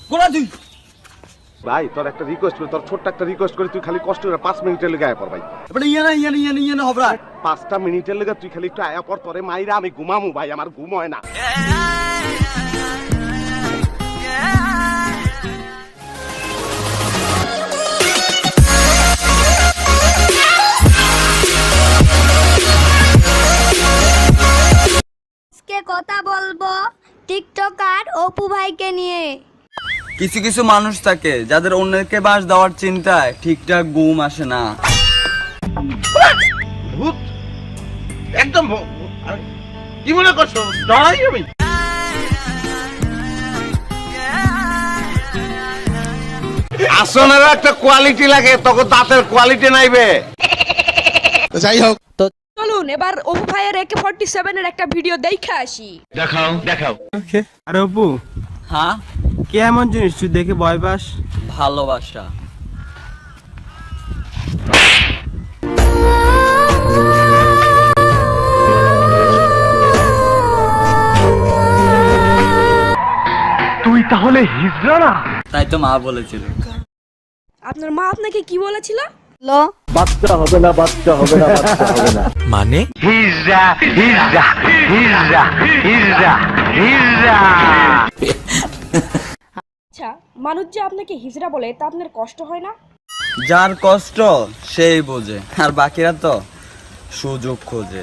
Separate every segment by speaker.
Speaker 1: গোলা তুই
Speaker 2: ভাই তোর একটা রিকোয়েস্ট করি, তোর ছোট্ট একটা রিকোয়েস্ট করি, তুই খালি কষ্ট করে 5 মিনিটের লেগে আয়া পর ভাই।
Speaker 1: এবারে ইয়ে না হবে না
Speaker 2: 5টা মিনিটের লেগে তুই খালি একটু আয়া পর, তোরে মাইরা আমি ঘুমামু ভাই, আমার ঘুম হয় না।
Speaker 3: আজকে কথা বলবো টিকটকার অপু ভাইকে নিয়ে।
Speaker 1: কিছু কিছু মানুষ থাকে যাদের অন্যকে বাস দেওয়ার চিন্তায় ঠিকঠাক ঘুম আসে না।
Speaker 2: ভূত একদম কি মনে করছো ডরাই আমি? আসনের একটা কোয়ালিটি লাগে, তখন দাঁতের কোয়ালিটি নাইবে।
Speaker 4: যাই হোক, তো
Speaker 5: চলুন এবার অপু ভাইয়ের AK-47 এর একটা ভিডিও দেখে আসি।
Speaker 2: দেখাও।
Speaker 6: আরে অপু,
Speaker 1: হ্যাঁ,
Speaker 6: কে এমন জিনিস তুই দেখে ভয় পাস?
Speaker 1: ভালোবাসা।
Speaker 2: তুই তাহলে হিজড়া না?
Speaker 1: তাই তো মা বলেছিল।
Speaker 5: আপনার মা আপনাকে কি বলেছিল?
Speaker 2: বাচ্চা হবে না।
Speaker 6: মানে
Speaker 5: আচ্ছা, মানুষ যে আপনাকে হিজড়া বলে তা আপনার কষ্ট হয় না?
Speaker 1: যার কষ্ট সেই বোঝে, আর বাকিরা তো সুযোগ খোঁজে।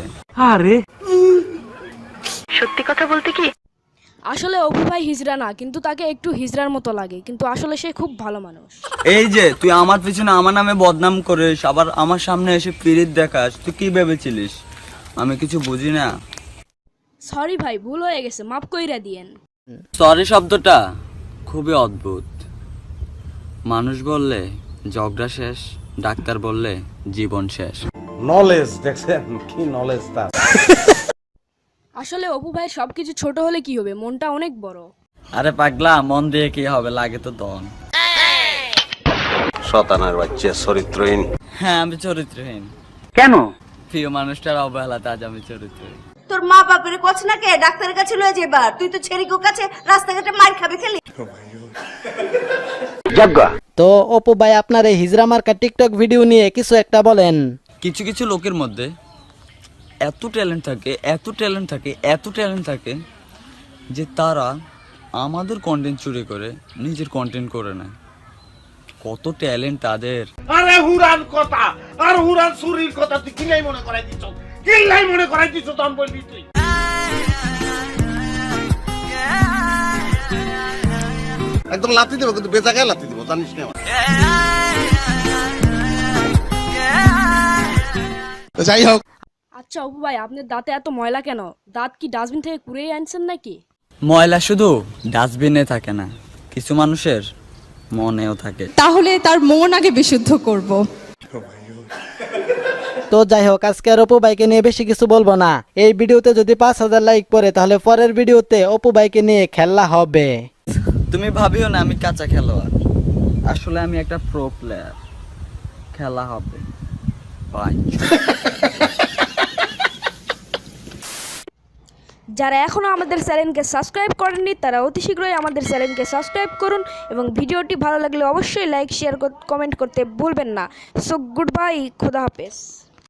Speaker 5: আসলে অপু ভাই হিজড়া না, কিন্তু তাকে একটু হিজড়ার মতো লাগে, কিন্তু আসলে সে খুব ভালো মানুষ।
Speaker 1: এই যে তুই আমার পিছনে আমার নামে বদনাম করিস, আবার আমার সামনে এসে পিরিত দেখাস, তুই কি ভেবেছিলিস আমি কিছু বুঝি না?
Speaker 5: সরি ভাই, ভুল হয়ে গেছে, মাফ কইরা দিয়েন।
Speaker 1: সরি শব্দটা খুবই অদ্ভুত। মানুষ বললে ঝগড়া শেষ, ডাক্তার বললে জীবন শেষ।
Speaker 2: নলেজ দেখছেন কি নলেজ তার।
Speaker 5: আসলে অপু ভাইয়ের সবকিছু ছোট হলে কি হবে, মনটা অনেক বড়।
Speaker 1: আরে পাগলা, মন দিয়ে কি হবে, লাগে তো দন।
Speaker 2: শতানার বাচ্চা চরিত্রহীন।
Speaker 1: হ্যাঁ, আমি চরিত্রহীন।
Speaker 2: কেন?
Speaker 1: প্রিয় মানুষটার অবহেলাতে আজ আমি চরিত্রহীন।
Speaker 7: তোর মা বাপের কছ না কে ডাক্তারের কাছে লয়ে যাবার, তুই তো ছেড়িকো কাছে রাস্তাঘাটে মার খাবি খেলি।
Speaker 4: তো অপু ভাই, আপনার এই হিজড়া মার্কা টিকটক ভিডিও নিয়ে কিছু একটা বলেন।
Speaker 1: কিছু কিছু লোকের মধ্যে এত ট্যালেন্ট থাকে যে তারা আমাদের কন্টেন্ট চুরি করে নিজের কন্টেন্ট করে নেয়। কত ট্যালেন্ট তাদের!
Speaker 2: আরে হুরান কথা, আর হুরান চুরির কথা তুই কিলাই মনে করাই দিছ, তখন বলবি তুই। একদম লাথি দেবো, কিন্তু বেজাগায় লাথি দেবো, জানিস না?
Speaker 4: যাই হোক,
Speaker 5: আচ্ছা অপু ভাই, আপনার দাঁতে এত ময়লা কেন? দাঁত কি ডাস্টবিন থেকে কুড়িয়ে আনছেন নাকি?
Speaker 1: ময়লা শুধু ডাস্টবিনে থাকে না, কিছু মানুষের মনেও থাকে।
Speaker 8: তাহলে তার মন আগে বিশুদ্ধ করব।
Speaker 4: তো যাই হোক, আজকে আর অপু ভাইকে নিয়ে বেশি কিছু বলবো না। এই ভিডিওতে যদি 5000 লাইক পড়ে, তাহলে পরের ভিডিওতে অপু ভাইকে নিয়ে খেলা হবে।
Speaker 1: তুমি ভাবিও না আমি কাঁচা খেলোয়াড়, আসলে আমি একটা প্রো প্লেয়ার। খেলা হবে বাই।
Speaker 5: যারা এখনো আমাদের চ্যানেলকে সাবস্ক্রাইব করেননি তারা অতি শীঘ্রই আমাদের চ্যানেলকে সাবস্ক্রাইব করুন, এবং ভিডিওটি ভালো লাগলে অবশ্যই লাইক, শেয়ার, কমেন্ট করতে ভুলবেন না। সো গুড বাই, খোদা হাফেজ।